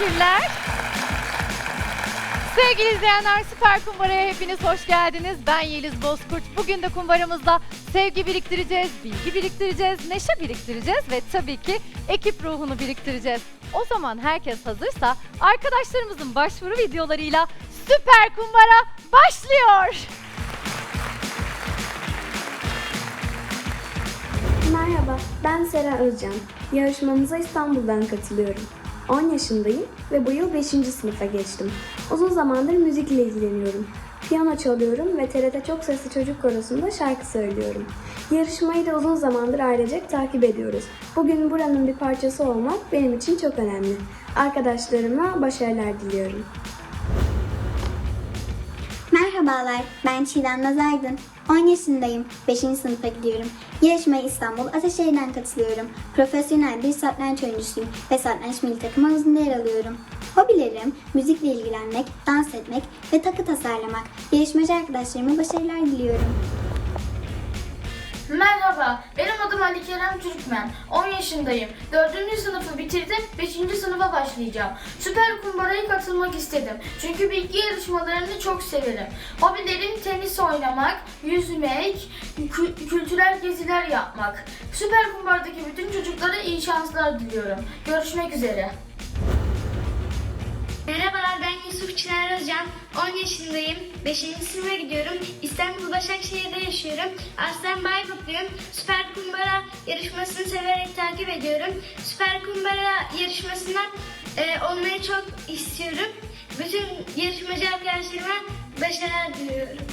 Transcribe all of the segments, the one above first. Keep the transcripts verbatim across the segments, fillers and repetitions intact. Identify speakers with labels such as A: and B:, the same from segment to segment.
A: Teşekkürler. Sevgili izleyenler, Süper Kumbara'ya hepiniz hoş geldiniz. Ben Yeliz Bozkurt. Bugün de kumbaramızda sevgi biriktireceğiz, bilgi biriktireceğiz, neşe biriktireceğiz ve tabii ki ekip ruhunu biriktireceğiz. O zaman herkes hazırsa arkadaşlarımızın başvuru videolarıyla Süper Kumbara başlıyor.
B: Merhaba, ben Sera Özcan. Yarışmamıza İstanbul'dan katılıyorum. on yaşındayım ve bu yıl beşinci sınıfa geçtim. Uzun zamandır müzikle ilgileniyorum. Piyano çalıyorum ve T R T Çok Sesli Çocuk Korosu'nda şarkı söylüyorum. Yarışmayı da uzun zamandır ailecek takip ediyoruz. Bugün buranın bir parçası olmak benim için çok önemli. Arkadaşlarıma başarılar diliyorum.
C: Merhabalar, ben Çiğdem Nazaydın. on yaşındayım, beşinci sınıfa gidiyorum. Yarışmaya İstanbul Ataşehir'den katılıyorum. Profesyonel bir satranç oyuncusuyum ve satranç milli takım havuzunda yer alıyorum. Hobilerim, müzikle ilgilenmek, dans etmek ve takı tasarlamak. Yarışmacı arkadaşlarıma başarılar diliyorum.
D: Merhaba, benim adım Ali Kerem Türkmen. on yaşındayım. dördüncü sınıfı bitirdim, beşinci sınıfa başlayacağım. Süper Kumbara'ya katılmak istedim. Çünkü bilgi yarışmalarını çok severim. Hobilerim tenis oynamak, yüzmek, kü- kültürel geziler yapmak. Süper Kumbara'daki bütün çocuklara iyi şanslar diliyorum. Görüşmek üzere.
E: Merhabalar, ben Yusuf Çınar Özcan. on yaşındayım. beşinci sınıfa gidiyorum. İstanbul Başakşehir'de yaşıyorum. Aslen Bayburtluyum. Süper Kumbara yarışmasını severek takip ediyorum. Süper Kumbara yarışmasına e, olmayı çok istiyorum. Bütün yarışmacı arkadaşlarıma başarılar diliyorum.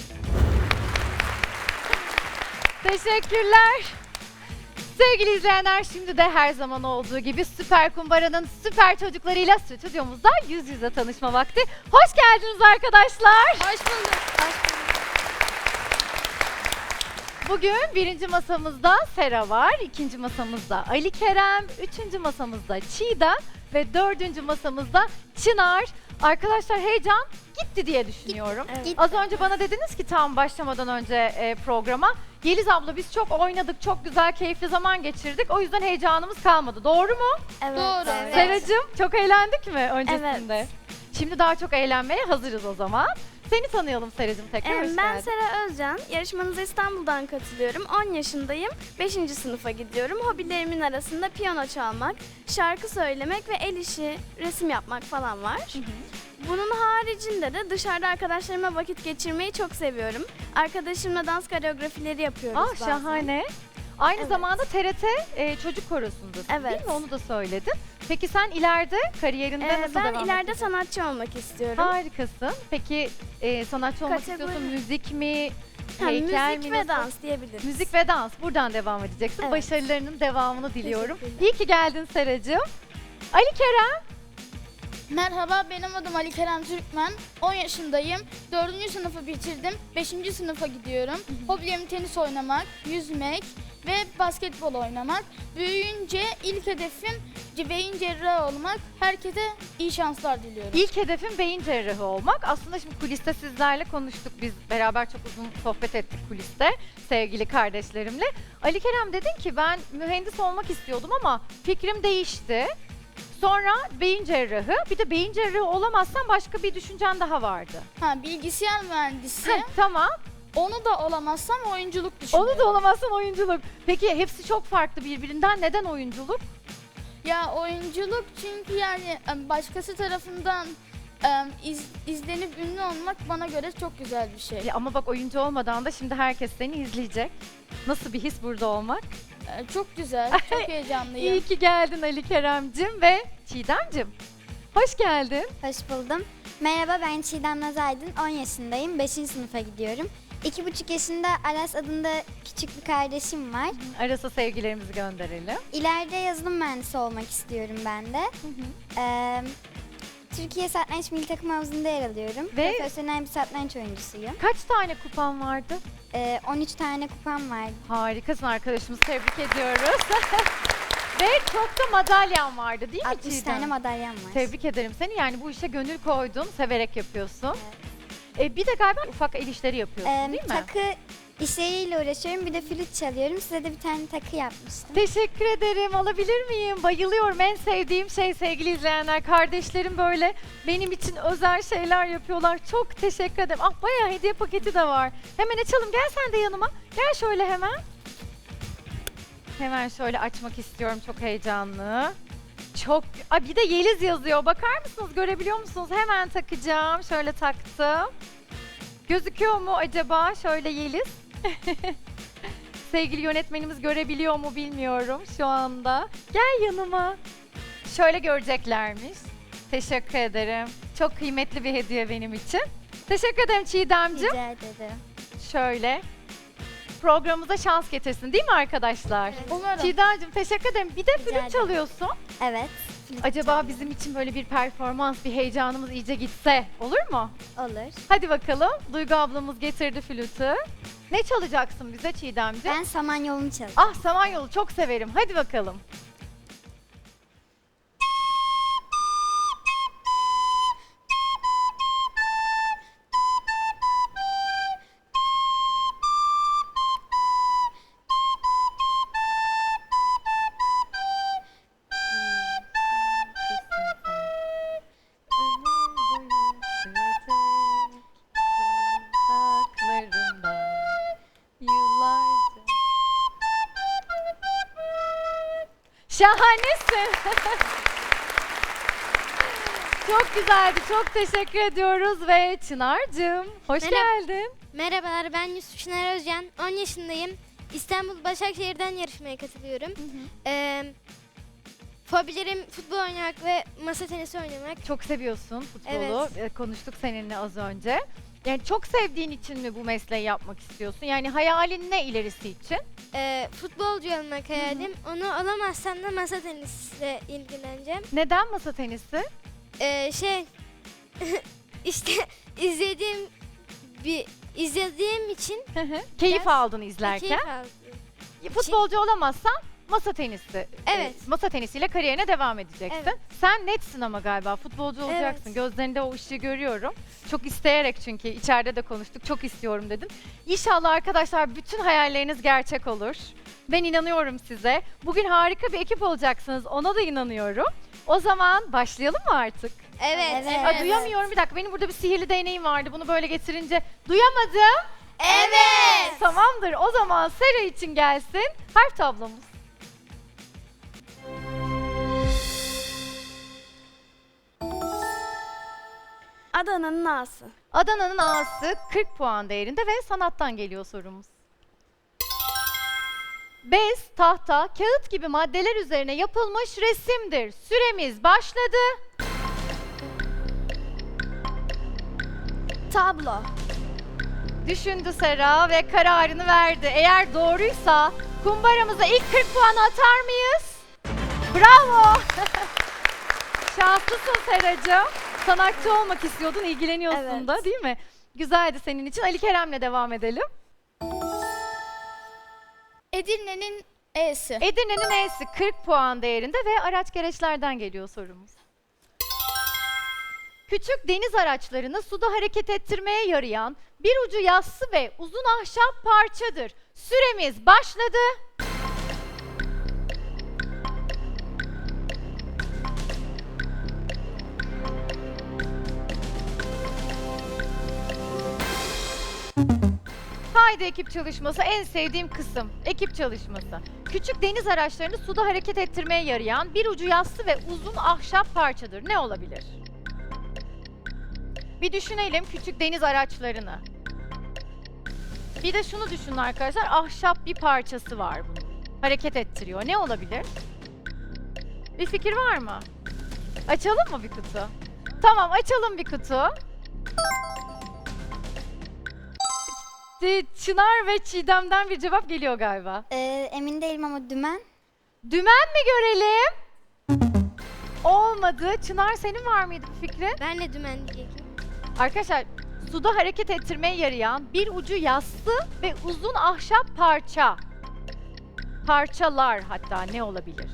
A: Teşekkürler. Sevgili izleyenler, şimdi de her zaman olduğu gibi Süper Kumbara'nın süper çocuklarıyla stüdyomuzda yüz yüze tanışma vakti. Hoş geldiniz arkadaşlar. Hoş bulduk. Bugün birinci masamızda Sera var, ikinci masamızda Ali Kerem, üçüncü masamızda Çiğdem ve dördüncü masamızda Çınar. Arkadaşlar, heyecan gitti diye düşünüyorum.
B: Evet.
A: Az önce bana dediniz ki tam başlamadan önce e, programa, Yeliz abla biz çok oynadık, çok güzel, keyifli zaman geçirdik. O yüzden heyecanımız kalmadı. Doğru mu?
B: Evet.
D: Doğru.
B: Evet.
A: Seracığım, çok eğlendik mi öncesinde?
B: Evet.
A: Şimdi daha çok eğlenmeye hazırız o zaman. Seni tanıyalım Seracığım tekrar.
F: Ee,
A: hoş
F: Ben
A: geldin.
F: Sera Özcan. Yarışmanıza İstanbul'dan katılıyorum. on yaşındayım. beşinci sınıfa gidiyorum. Hobilerimin arasında piyano çalmak, şarkı söylemek ve el işi, resim yapmak falan var. Bunun haricinde de dışarıda arkadaşlarıma vakit geçirmeyi çok seviyorum. Arkadaşımla dans koreografileri yapıyoruz
A: Aa,
F: bazen.
A: şahane. Aynı
F: Evet.
A: zamanda T R T e, Çocuk Korosu'ndasın
F: Evet.
A: değil mi? Onu da söyledin. Peki sen ileride kariyerinde
F: Ee,
A: nasıl
F: ben
A: devam
F: ileride
A: edeceksin?
F: sanatçı olmak istiyorum.
A: Harikasın. Peki e, sanatçı olmak
F: Kategori-
A: istiyorsun, müzik mi,
F: Ha,
A: heykel
F: müzik
A: mi?
F: ve
A: nasıl?
F: dans diyebiliriz.
A: Müzik ve dans. Buradan devam edeceksin.
F: Evet.
A: Başarılarının devamını diliyorum.
F: Teşekkürler.
A: İyi ki geldin Seracığım. Ali Kerem.
D: Merhaba, benim adım Ali Kerem Türkmen. on yaşındayım. dördüncü sınıfı bitirdim. beşinci sınıfa gidiyorum. Hobilerim tenis oynamak, yüzmek ve basketbol oynamak. Büyüyünce ilk hedefim beyin cerrahı olmak. Herkese iyi şanslar diliyorum.
A: İlk hedefim beyin cerrahı olmak. Aslında şimdi kuliste sizlerle konuştuk. Biz beraber çok uzun sohbet ettik kuliste sevgili kardeşlerimle. Ali Kerem, dedin ki ben mühendis olmak istiyordum ama fikrim değişti. Sonra beyin cerrahı. Bir de beyin cerrahı olamazsan başka bir düşüncen daha vardı.
D: Ha, bilgisayar mühendisi.
A: Heh, tamam.
D: Onu da olamazsam oyunculuk düşünüyorum.
A: Onu da olamazsan oyunculuk. Peki hepsi çok farklı birbirinden. Neden oyunculuk?
D: Ya oyunculuk çünkü yani em, başkası tarafından em, iz- izlenip ünlü olmak bana göre çok güzel bir şey.
A: Ya ama bak, oyuncu olmadan da şimdi herkes seni izleyecek. Nasıl bir his burada olmak?
D: E, Çok güzel, çok heyecanlıyım.
A: İyi ki geldin Ali Kerem'cim ve Çiğdem'cim. Hoş geldin.
C: Hoş buldum. Merhaba, ben Çiğdem Nazaydın. on yaşındayım. beşinci sınıfa gidiyorum. iki buçuk yaşında Aras adında küçük bir kardeşim var.
A: Aras'a sevgilerimizi gönderelim.
C: İleride yazılım mühendisi olmak istiyorum ben de. Ee, Türkiye Satranç Milli Takım Havuzu'nda yer alıyorum.
A: Ve-
C: Profesyonel bir satranç oyuncusuyum.
A: Kaç tane kupan vardı?
C: Ee, on üç tane kupam var.
A: Harikasın arkadaşımız, tebrik ediyoruz. Ve çok da madalyan vardı değil mi
C: altmış
A: Çiğdem?
C: tane madalyam var.
A: Tebrik ederim seni. Yani bu işe gönül koydun, severek yapıyorsun. E, bir de galiba ufak el işleri yapıyorsun
C: Ee,
A: değil mi?
C: takı
G: işleriyle uğraşıyorum. Bir de flüt çalıyorum. Size de bir tane takı yapmıştım.
A: Teşekkür ederim. Alabilir miyim? Bayılıyorum. En sevdiğim şey sevgili izleyenler. Kardeşlerim böyle benim için özel şeyler yapıyorlar. Çok teşekkür ederim. Ah bayağı hediye paketi de var. Hemen açalım. Gel sen de yanıma. Gel şöyle hemen. Hemen şöyle açmak istiyorum. Çok heyecanlı. Çok... Aa, bir de Yeliz yazıyor. Bakar mısınız? Görebiliyor musunuz? Hemen takacağım. Şöyle taktım. Gözüküyor mu acaba? Şöyle Yeliz. Sevgili yönetmenimiz görebiliyor mu bilmiyorum şu anda. Gel yanıma. Şöyle göreceklermiş. Teşekkür ederim. Çok kıymetli bir hediye benim için. Teşekkür ederim Çiğdemciğim.
G: Rica ederim.
A: Şöyle. Programımıza şans getirsin değil mi arkadaşlar?
G: Umarım.
A: Çiğdemciğim teşekkür ederim. Bir de
G: Rica
A: flüt
G: ederim.
A: çalıyorsun.
G: Evet. flüt
A: Acaba
G: çalıyorum.
A: bizim için böyle bir performans, bir heyecanımız iyice gitse olur mu?
G: Olur.
A: Hadi bakalım. Duygu ablamız getirdi flütü. Ne çalacaksın bize Çiğdemciğim?
G: Ben Samanyolu'nu çalacağım.
A: Ah Samanyolu çok severim. Hadi bakalım. Yıllarca. Şahanesin. Çok güzeldi. Çok teşekkür ediyoruz ve Çınar'cığım hoş
E: Merhaba.
A: geldin.
E: Merhabalar, ben Yusuf Çınar Özcan. on yaşındayım. İstanbul Başakşehir'den yarışmaya katılıyorum. Ee, fobilerim futbol oynamak ve masa tenisi oynamak.
A: Çok seviyorsun futbolu.
E: Evet.
A: Ee, Konuştuk seninle az önce. Yani çok sevdiğin için mi bu mesleği yapmak istiyorsun? Yani hayalin ne ilerisi için?
E: Ee, futbolcu olmak hayalim. Onu alamazsam da masa tenisle ilgileneceğim.
A: Neden masa tenisi?
E: Ee, şey, işte izlediğim bir izlediğim için
A: Keyif
E: Ders-
A: aldın izlerken.
E: keyif aldım.
A: Futbolcu olamazsan masa tenisi.
E: Evet.
A: e, Masa tenisiyle kariyerine devam edeceksin.
E: Evet.
A: Sen netsin ama galiba futbolcu olacaksın.
E: Evet.
A: Gözlerinde o ışığı görüyorum. Çok isteyerek çünkü içeride de konuştuk. Çok istiyorum dedin. İnşallah arkadaşlar bütün hayalleriniz gerçek olur. Ben inanıyorum size. Bugün harika bir ekip olacaksınız. Ona da inanıyorum. O zaman başlayalım mı artık?
E: Evet.
G: Evet.
E: evet.
A: Aa, duyamıyorum bir dakika. Benim burada bir sihirli değneğim vardı. Bunu böyle getirince duyamadım.
E: Evet.
A: Tamamdır. O zaman Sera için gelsin harf tablomuz.
F: Adana'nın A'sı.
A: Adana'nın A'sı kırk puan değerinde ve sanattan geliyor sorumuz. Bez, tahta, kağıt gibi maddeler üzerine yapılmış resimdir. Süremiz başladı.
F: Tablo.
A: Düşündü Sera ve kararını verdi. Eğer doğruysa kumbaramıza ilk kırk puanı atar mıyız? Bravo! Şanslısın Seracığım. Sanatçı olmak istiyordun, ilgileniyorsun
F: Evet.
A: da değil mi? Güzeldi senin için. Ali Kerem'le devam edelim.
E: Edirne'nin E'si.
A: Edirne'nin E'si kırk puan değerinde ve araç gereçlerden geliyor sorumuz. Küçük deniz araçlarını suda hareket ettirmeye yarayan bir ucu yassı ve uzun ahşap parçadır. Süremiz başladı. Haydi ekip çalışması en sevdiğim kısım. Ekip çalışması. Küçük deniz araçlarını suda hareket ettirmeye yarayan bir ucu yassı ve uzun ahşap parçadır. Ne olabilir? Bir düşünelim küçük deniz araçlarını. Bir de şunu düşünün arkadaşlar. Ahşap bir parçası var bunun. Hareket ettiriyor. Ne olabilir? Bir fikir var mı? Açalım mı bir kutu? Tamam açalım bir kutu. Çınar ve Çiğdem'den bir cevap geliyor galiba.
G: Ee, emin değilim ama dümen.
A: Dümen mi görelim? Olmadı. Çınar senin var mıydı bir fikrin?
E: Ben de dümen diyecektim.
A: Arkadaşlar suda hareket ettirmeye yarayan bir ucu yassı ve uzun ahşap parça. Parçalar hatta ne olabilir?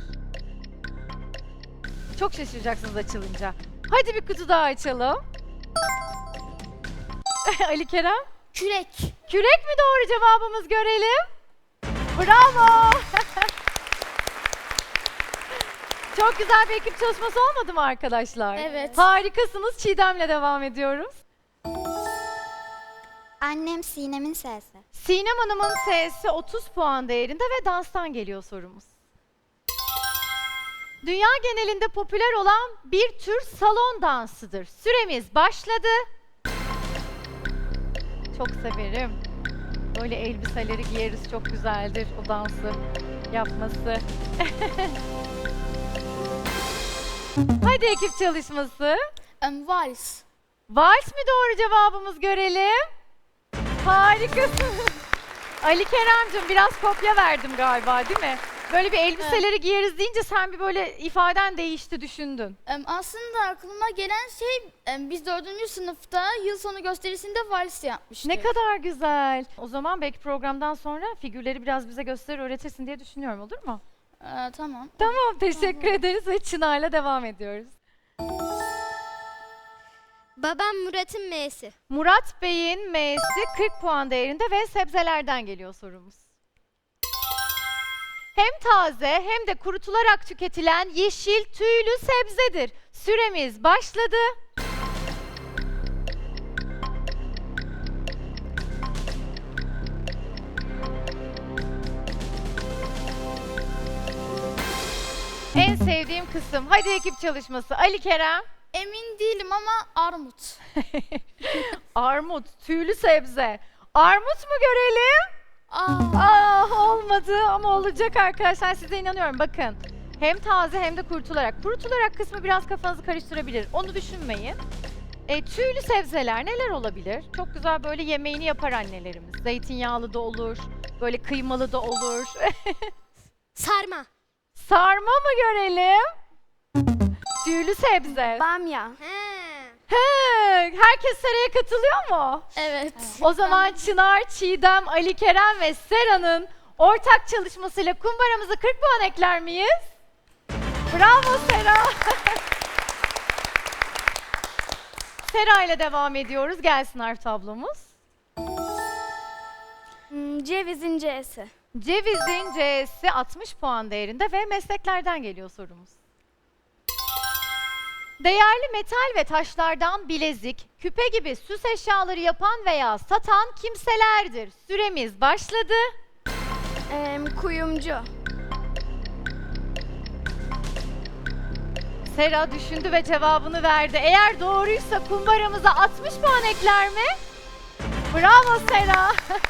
A: Çok şaşıracaksınız açılınca. Hadi bir kutu daha açalım. Ali Kerem?
E: Kürek.
A: Kürek mi doğru cevabımız, görelim. Bravo. Çok güzel bir ekip çalışması olmadı mı arkadaşlar?
F: Evet.
A: Harikasınız. Çiğdem'le devam ediyoruz.
G: Annem Sinem'in sesi.
A: Sinem Hanım'ın S'si otuz puan değerinde ve danstan geliyor sorumuz. Dünya genelinde popüler olan bir tür salon dansıdır. Süremiz başladı. Çok severim. Böyle elbiseleri giyeriz, çok güzeldir o dansı yapması. Hadi ekip çalışması.
F: Um, vals.
A: Vals mi doğru cevabımız, görelim. Harikasın. Ali Kerem'cim biraz kopya verdim galiba, değil mi? Böyle bir elbiseleri giyeriz deyince sen bir böyle ifaden değişti, düşündün.
F: Um, aslında aklıma gelen şey um, biz dördüncü sınıfta yıl sonu gösterisinde vals yapmıştık.
A: Ne kadar güzel. O zaman belki programdan sonra figürleri biraz bize gösterir, öğretirsin diye düşünüyorum, olur mu?
F: Ee, tamam.
A: Tamam, teşekkür ederiz ve Çınar'la devam ediyoruz.
G: Babam Murat'ın M'si.
A: Murat Bey'in M'si kırk puan değerinde ve sebzelerden geliyor sorumuz. Hem taze hem de kurutularak tüketilen yeşil tüylü sebzedir. Süremiz başladı. En sevdiğim kısım. Hadi ekip çalışması. Ali Kerem.
F: Emin değilim ama armut.
A: Armut, tüylü sebze. Armut mu görelim?
F: Aa,
A: Ah, olmadı ama olacak arkadaşlar, size inanıyorum. Bakın, hem taze hem de kurutularak. Kurutularak kısmı biraz kafanızı karıştırabilir. Onu düşünmeyin. E, tüylü sebzeler neler olabilir? Çok güzel böyle yemeğini yapar annelerimiz. Zeytinyağlı da olur, böyle kıymalı da olur.
G: Sarma.
A: Sarma mı görelim? Tüylü sebze.
F: bamya.
A: He, herkes Sera'ya katılıyor mu?
F: Evet.
A: O zaman Çınar, Çiğdem, Ali Kerem ve Sera'nın ortak çalışmasıyla kumbaramıza kırk puan ekler miyiz? Bravo Sera. Sera ile devam ediyoruz. Gelsin harf tablomuz.
F: Hmm, cevizin C'si.
A: Cevizin C'si altmış puan değerinde ve mesleklerden geliyor sorumuz. Değerli metal ve taşlardan bilezik, küpe gibi süs eşyaları yapan veya satan kimselerdir. Süremiz başladı.
F: Ee, kuyumcu.
A: Sera düşündü ve cevabını verdi. Eğer doğruysa kumbaramıza altmış puan ekler mi? Bravo Sera.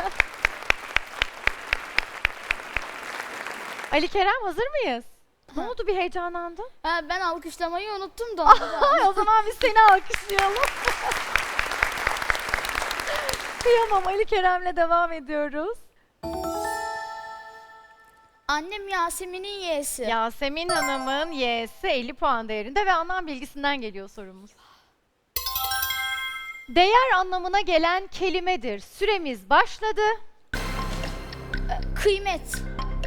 A: Ali Kerem, hazır mıyız? Ne oldu, bir heyecanlandın?
F: Ha, ben alkışlamayı unuttum da.
A: Ay, o zaman biz seni alkışlayalım. Kıyamam, Ali Kerem'le devam ediyoruz.
F: Annem Yasemin'in Y'si.
A: Yasemin Hanım'ın Y'si elli puan değerinde ve anlam bilgisinden geliyor sorumuz. Değer anlamına gelen kelimedir. Süremiz başladı.
F: Kıymet.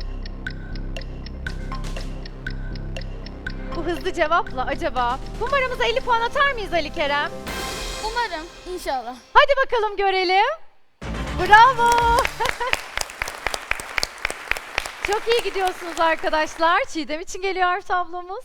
A: Bu hızlı cevapla acaba kumbaramıza elli puan atar mıyız Ali Kerem?
F: Umarım. İnşallah.
A: Hadi bakalım görelim. Bravo. Çok iyi gidiyorsunuz arkadaşlar. Çiğdem için geliyor harf tablomuz.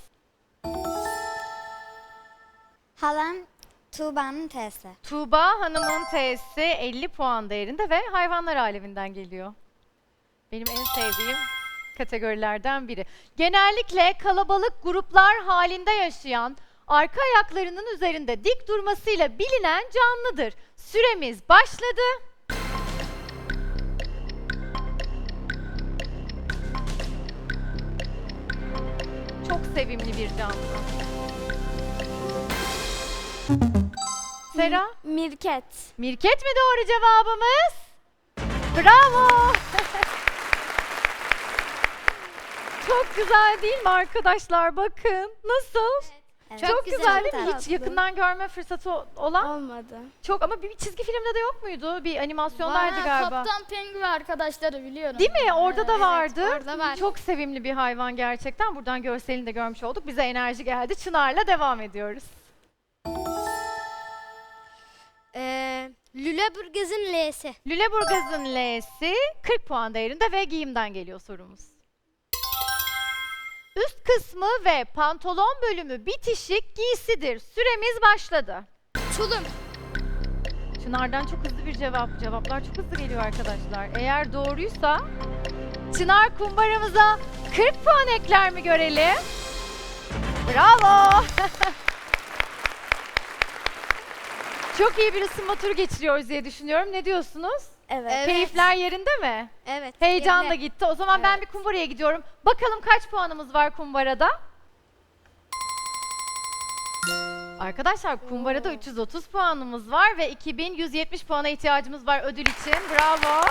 G: Halam Tuğba'nın T'si.
A: Tuğba Hanım'ın T'si elli puan değerinde ve hayvanlar aleminden geliyor. Benim en sevdiğim kategorilerden biri. Genellikle kalabalık gruplar halinde yaşayan, arka ayaklarının üzerinde dik durmasıyla bilinen canlıdır. Süremiz başladı. Çok sevimli bir canlı. Sera?
F: Mirket.
A: Mirket mi doğru cevabımız? Bravo! Çok güzel değil mi arkadaşlar? Bakın nasıl?
G: Evet.
A: Çok, güzel değil mi? Hiç
F: tatlı.
A: yakından görme fırsatı o- olan
F: Olmadı.
A: çok, ama bir çizgi filmde de yok muydu? Bir animasyondaydı
F: Var,
A: galiba.
F: Kaptan Pengu ve arkadaşları biliyorum.
A: Değil mi? Orada da vardı.
F: orada var.
A: Çok sevimli bir hayvan gerçekten. Buradan görselini de görmüş olduk. Bize enerji geldi. Çınar'la devam ediyoruz.
G: Ee, Lüleburgaz'ın L'si.
A: Lüleburgaz'ın L'si kırk puan değerinde ve giyimden geliyor sorumuz. Üst kısmı ve pantolon bölümü bitişik giysidir. Süremiz başladı.
G: Tulum.
A: Çınar'dan çok hızlı bir cevap. Cevaplar çok hızlı geliyor arkadaşlar. Eğer doğruysa Çınar kumbaramıza kırk puan ekler mi görelim? Bravo! Çok iyi bir ısınma turu geçiriyoruz diye düşünüyorum. Ne diyorsunuz?
F: Evet.
A: Keyifler yerinde mi?
G: Evet.
A: Heyecan da
G: yerine.
A: gitti. O zaman ben bir kumbaraya gidiyorum. Bakalım kaç puanımız var kumbarada? Arkadaşlar kumbarada üç yüz otuz puanımız var ve iki bin yüz yetmiş puana ihtiyacımız var ödül için. Bravo.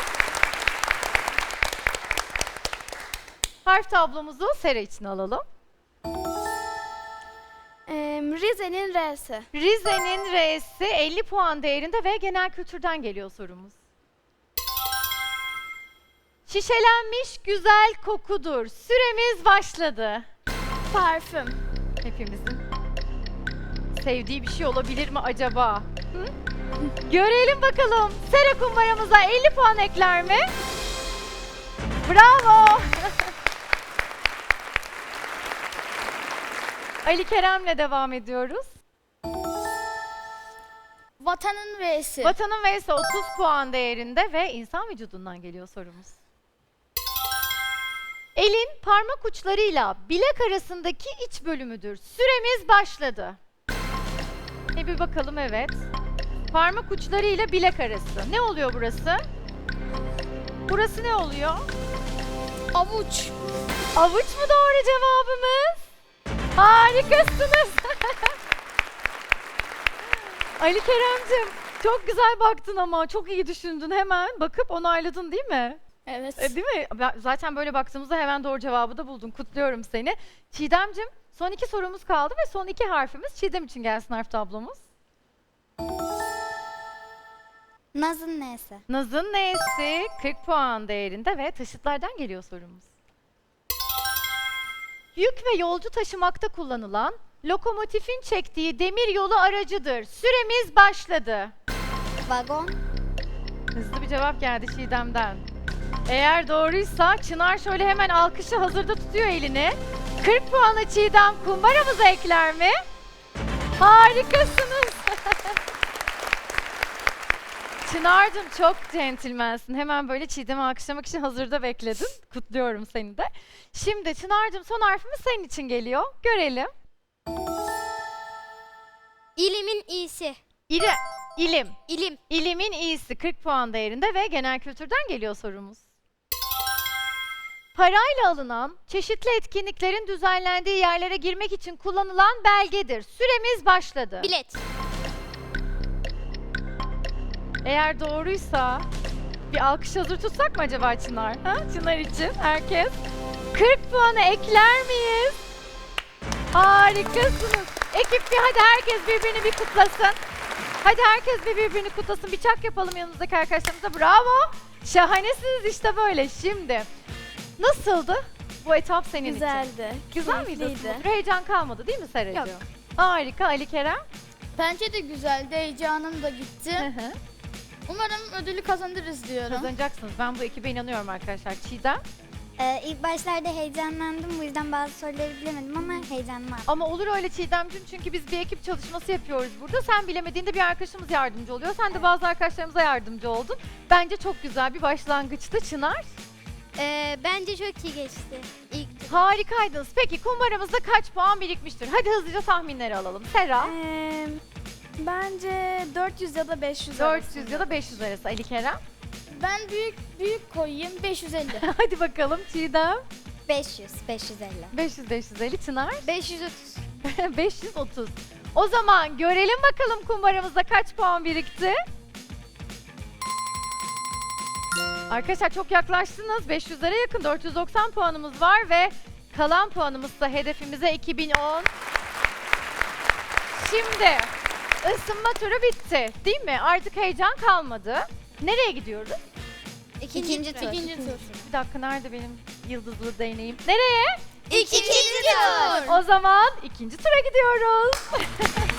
A: Harf tablomuzu Sera için alalım.
F: Ee, Rize'nin R'si.
A: Rize'nin R'si elli puan değerinde ve genel kültürden geliyor sorumuz. Şişelenmiş güzel kokudur. Süremiz başladı.
F: Parfüm.
A: Hepimizin sevdiği bir şey olabilir mi acaba? Hı? Görelim bakalım. Sera kumbaramıza elli puan ekler mi? Bravo. Ali Kerem'le devam ediyoruz.
F: Vatanın V'si.
A: Vatanın V'si otuz puan değerinde ve insan vücudundan geliyor sorumuz. Elin parmak uçlarıyla bilek arasındaki iç bölümüdür. Süremiz başladı. E bir bakalım, evet. Parmak uçlarıyla bilek arası. Ne oluyor burası? Burası ne oluyor?
F: Avuç.
A: Avuç mu doğru cevabımız? Harikasınız. Ali Kerem'cim çok güzel baktın ama çok iyi düşündün, hemen bakıp onayladın değil mi?
F: Evet.
A: E, değil mi? Ben- Zaten böyle baktığımızda hemen doğru cevabı da buldun. Kutluyorum seni. Çiğdem'cim son iki sorumuz kaldı ve son iki harfimiz. Çiğdem için gelsin harf tablomuz.
G: Naz'ın N'si.
A: Naz'ın N'si kırk puan değerinde ve taşıtlardan geliyor sorumuz. Yük ve yolcu taşımakta kullanılan lokomotifin çektiği demir yolu aracıdır. Süremiz başladı.
G: Vagon.
A: Hızlı bir cevap geldi Çiğdem'den. Eğer doğruysa Çınar şöyle hemen alkışı hazırda tutuyor elini. kırk puanı Çiğdem kumbaramıza ekler mi? Harikasınız. Çınar'cığım çok centilmensin. Hemen böyle Çiğdem'i alkışlamak için hazırda bekledin. Kutluyorum seni de. Şimdi Çınar'cığım son harfimiz senin için geliyor. Görelim.
G: İlimin İ'si.
A: İli, ilim.
G: İlim.
A: İlimin iyisi kırk puan değerinde ve genel kültürden geliyor sorumuz. Parayla alınan, çeşitli etkinliklerin düzenlendiği yerlere girmek için kullanılan belgedir. Süremiz başladı.
G: Bilet.
A: Eğer doğruysa bir alkış hazır tutsak mı acaba Çınar? Ha? Çınar için herkes. kırk puanı ekler miyiz? Harikasınız. Ekip bir hadi herkes birbirini bir kutlasın. Hadi herkes bir birbirini kutlasın. Bir çak yapalım yanınızdaki arkadaşlarımıza. Bravo. Şahanesiniz işte böyle. Şimdi nasıldı bu etap senin için?
F: Güzeldi.
A: Güzel miydi?
F: Keyifliydi.
A: ısınma? Heyecan kalmadı değil mi Seracığım?
F: Yok.
A: Harika. Ali Kerem?
H: Bence de güzeldi, heyecanım da
A: Hı
H: gitti.
A: hı.
H: Umarım ödülü kazanırız diyorum.
A: Kazanacaksınız. Ben bu ekibe inanıyorum arkadaşlar. Çiğdem?
G: Ee, ilk başlarda heyecanlandım. Bu yüzden bazı soruları bilemedim ama heyecanım var.
A: Ama olur öyle Çiğdemciğim, çünkü biz bir ekip çalışması yapıyoruz burada. Sen bilemediğinde bir arkadaşımız yardımcı oluyor. Sen de bazı arkadaşlarımıza yardımcı oldun. Bence çok güzel bir başlangıçtı Çınar.
G: Ee, bence çok iyi geçti. İlk tur.
A: Harikaydınız. Peki kumbaramızda kaç puan birikmiştir? Hadi hızlıca tahminleri alalım. Sera?
F: Ee, bence dört yüz ya da beş yüz
A: dört yüz ya da beş yüz arası. Ali Kerem?
H: Ben büyük büyük koyayım, beş yüz elli.
A: Hadi bakalım Çiğdem.
G: beş yüz, beş yüz elli.
A: beş yüz beş yüz elli. Çınar?
G: beş yüz otuz.
A: beş yüz otuz. O zaman görelim bakalım kumbaramızda kaç puan birikti? Arkadaşlar çok yaklaştınız. beş yüzlere yakın, dört yüz doksan puanımız var ve kalan puanımız da hedefimize iki bin on. Şimdi ısınma turu bitti değil mi? Artık heyecan kalmadı. Nereye gidiyoruz?
G: İkinci,
H: İkinci tur.
A: Bir dakika, nerede benim yıldızlı değneğim? Nereye?
G: İkinci tur.
A: O zaman ikinci tura gidiyoruz.